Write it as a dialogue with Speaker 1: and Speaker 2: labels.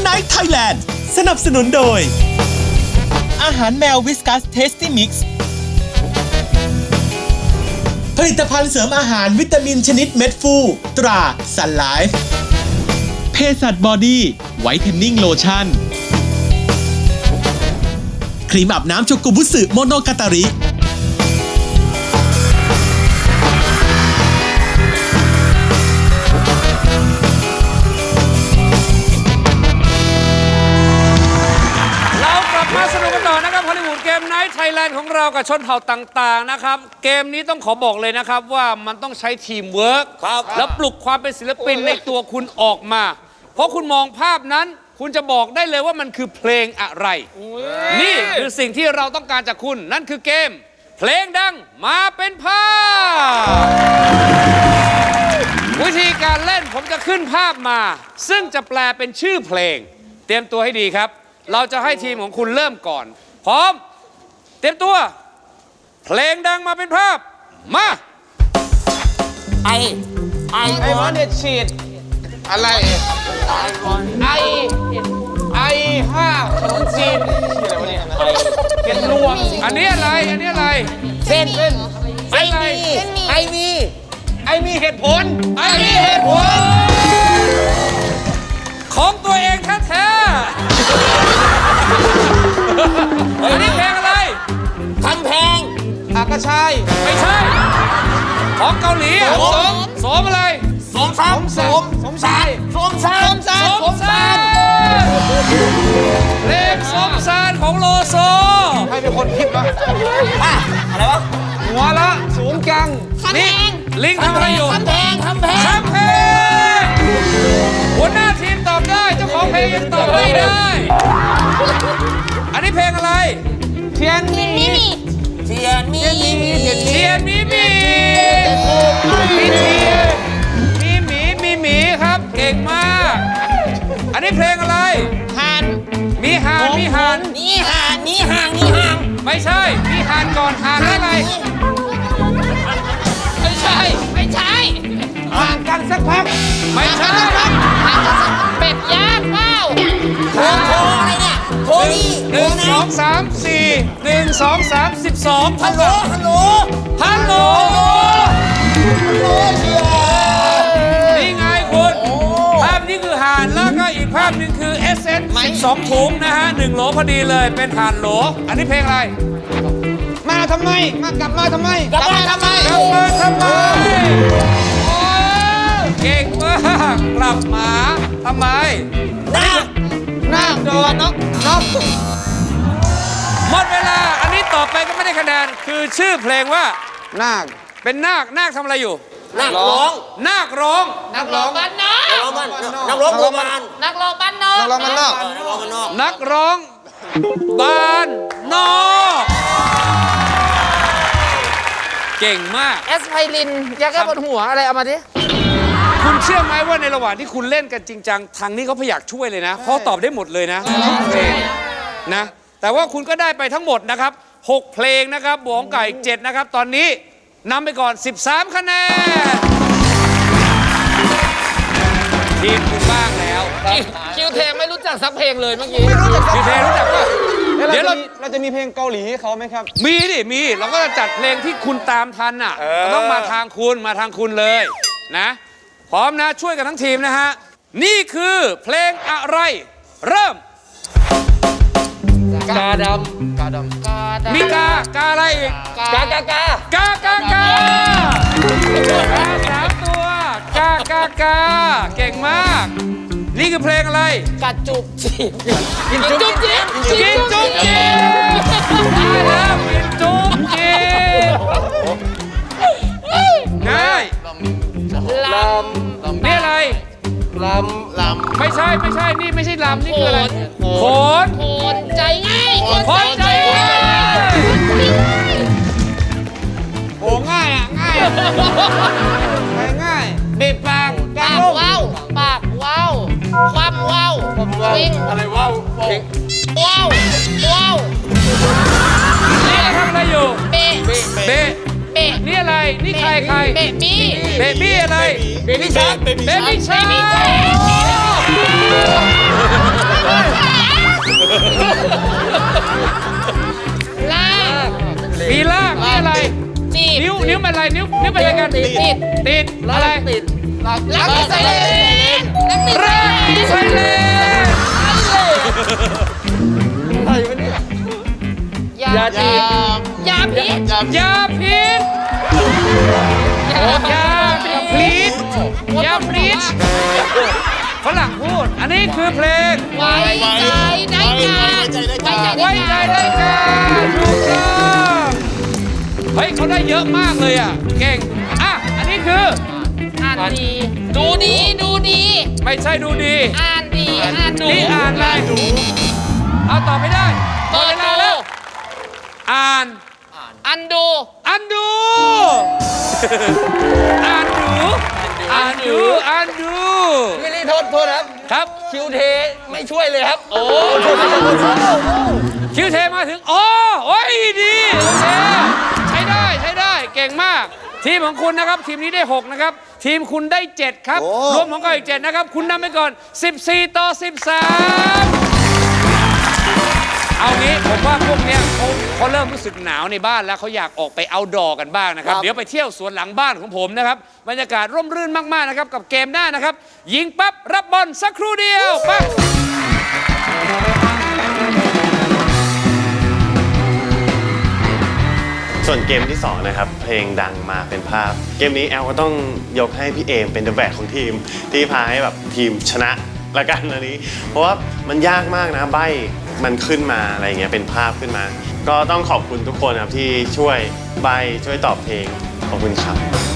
Speaker 1: ไนท์ไทยแลนด์สนับสนุนโดยอาหารแมววิสกัสเทสตี้มิกซ์ผลิตภัณฑ์เสริมอาหารวิตามินชนิดเม็ดฟูตราซันไลฟ์เภสัชบอดี้ไวท์เทนนิ่งโลชั่นครีมอาบน้ำโชกุบุสึโมโนกาตาริ
Speaker 2: มาสนุกกันต่อนะครับฮอลลีวูดเกมไนท์ไทยแลนด์ของเรากับชนเผ่าต่างๆนะครับเกมนี้ต้องขอบอกเลยนะครับว่ามันต้องใช้ทีมเวิร์กแล้วปลุกความเป็นศิลปินในตัวคุณออกมาเพราะคุณมองภาพนั้นคุณจะบอกได้เลยว่ามันคือเพลงอะไรนี่คือสิ่งที่เราต้องการจากคุณนั่นคือเกมเพลงดังมาเป็นภาพวิธีการเล่นผมจะขึ้นภาพมาซึ่งจะแปลเป็นชื่อเพลงเตรียมตัวให้ดีครับเราจะให้ทีมของคุณเริ่มก่อนพร้อมเตรียมตัวเพลงดังมาเป็นภาพมา
Speaker 3: ไอวันเด็ดฉีดอะไรไอห้าขนมจีนเป็นรวม
Speaker 2: อันนี้อะไร
Speaker 3: เส้นไอมีเหตุผล
Speaker 2: ของตัวเองแท้ๆอันนี้เพลงอะไร
Speaker 3: ทำแพงอากระชาย
Speaker 2: ไม่ใช่ของเกาหลีสมอะไร
Speaker 3: สมชาย
Speaker 2: เพลงสมซานของโลโซ
Speaker 3: ให้เป็นคนคิดวะอะไรวะหัวละสูงจัง
Speaker 2: นี่ลิงทำอะไรอยู่
Speaker 3: ทำแพง
Speaker 2: หัวหน้าทีมตอบได้เจ้าของเพลงยังตอบไม่ได้อันนี้เพลงอะไร
Speaker 3: เทียนมี
Speaker 2: หมีครับเก่งมากอันนี้เพลงอะไรมีห่านไม่ใช่มีห่านก่อนห่านอะไรไม่ใช่
Speaker 3: ห่างกันสักพัก
Speaker 2: ไม่ใช่
Speaker 3: เป็ดย่างเปล่าโทอะไรเนี่ยโทนี่
Speaker 2: 1 2 3 4 1 2 3 12
Speaker 3: ฮัลโหล
Speaker 2: นี่ไงคุณภาพนี้คือห่านแล้วก็อีกภาพนึงคือEssence 12 ถุงนะฮะ1 โหลพอดีเลยเป็นห่านโหลอันนี้เพลงอะไร
Speaker 3: กลับมาทำไม
Speaker 2: เก่งมากกลับมาทำไม
Speaker 3: นาคโดนนก
Speaker 2: หมดเวลาอันนี้ต่อไปก็ไม่ได้คะแนนคือชื่อเพลงว่า
Speaker 3: นาค
Speaker 2: เป็นนาคทำอะไรอยู่
Speaker 3: นาคร้อง
Speaker 2: บ้านนอก
Speaker 3: นักร้องบ้านนอก
Speaker 2: เก่งมาก
Speaker 3: แอสไพรินยาแก้ปวดหัวอะไรเอามาดิ
Speaker 2: คุณเชื่อไหมว่าในระหว่างที่คุณเล่นกันจริงจังทางนี้เขาพยายามช่วยเลยนะเพราะตอบได้หมดเลยนะเพลงนะแต่ว่าคุณก็ได้ไปทั้งหมดนะครับ6เพลงนะครับบวกกับอีก7นะครับตอนนี้นำไปก่อน13คะแนนทีมคุณบ้างแล้ว
Speaker 3: คิวเทไม่รู้จักสักเพลงเลยเมื่อกี้
Speaker 2: คิวเทรู้จักป่ะ
Speaker 3: เดี๋ยวเราจะมีเพลงเกาหลีให้เขาไหมครับ
Speaker 2: มีเราก็จะจัดเพลงที่คุณตามทันอ่ะต้องมาทางคุณเลยนะพร้อมนะช่วยกันทั้งทีมนะฮะนี่คือเพลงอะไรเริ่ม
Speaker 3: กาดำ
Speaker 2: มีกาอะไรอีก
Speaker 3: กา
Speaker 2: 3ตัวกาเก่งมากนี่คือเพลงอะไร
Speaker 3: กาจุบจีบ
Speaker 2: กินจุ๊บจีบได้แล้วกินจุ๊บจีบง่าย
Speaker 3: ลำ
Speaker 2: นี่อะไร
Speaker 3: ลำ
Speaker 2: ไม่ใช่นี่ไม่ใช่ลำนี่คืออะไรโขน
Speaker 3: ใจง่ายโอ้ง่ายบีบปากว้าวความว้าววิ่ง
Speaker 2: อะไรว้าวนี่ทำอะไรอยู่เบะนี่อะไรนี่ใครเบบี้อะไร
Speaker 3: เบบี้ชาร์กลาก
Speaker 2: มีลากมีอะไร
Speaker 3: จีบ
Speaker 2: นิ้วเป็นอะไรนิ้วเป็นอะไรกันติดอะไร
Speaker 3: รักติดไซเลนรักติด
Speaker 2: รักติดไซเลน
Speaker 3: ยาจีบยาพิษ
Speaker 2: ยาพิษยาพิษยาพิษฝรั่งพูดอันนี้คือเพลง
Speaker 3: ไว้ใจได้การ
Speaker 2: ไว้ใจได้การถูกต้องเฮ้ยเขาได้เยอะมากเลยอ่ะเก่งอ่ะอันนี้คือ
Speaker 3: อ่านดีดูดีดูดี
Speaker 2: ไม่ใช่ดูดี
Speaker 3: อ่านดีอ่านดู
Speaker 2: นี่อ่านอะไรเอาตอบไม่ได้หมดเวลาแล้วอ่าน
Speaker 3: อันดู
Speaker 2: อันดู อ่านดู อ่านดู อ่านดู
Speaker 4: ไม่ได้โทษครับ
Speaker 2: ครับ
Speaker 4: คิวเทไม่ช่วยเลยครับ โอ้
Speaker 2: คิวเทมาถึงอ๋อโอ้ยดีโอเคใช้ได้ใช้ได้เก่งมาก ทีมของคุณนะครับ ทีมนี้ได้ 6 นะครับ ทีมคุณได้ 7 ครับ รวมของเขาอีก 7 นะครับ คุณนำไปก่อน 14 ต่อ 13 เอางี้ผมว่าพวกเนี้ยเขาเริ่มรู้สึกหนาวในบ้านแล้วเขาอยากออกไปเอาดอกันบ้างนะครับ เดี๋ยวไปเที่ยวสวนหลังบ้านของผมนะครับบรรยากาศร่มรื่นมากๆนะครับกับเกมหน้านะครับ ยิงปั๊บรับบอลสักครู่เดียวปั๊บ
Speaker 5: ส่วนเกมที่2นะครับเพลงดังมาเป็นภาพ เกมนี้แอลก็ต้องยกให้พี่เอมเป็นเดอะแบกของทีมที่พาให้แบบทีมชนะละกันอันนี้ เพราะว่ามันยากมากนะใบมันขึ้นมาอะไรเงี้ยเป็นภาพขึ้นมา ก็ต้องขอบคุณทุกคนครับที่ช่วยใบช่วยตอบเพลงขอบคุณครับ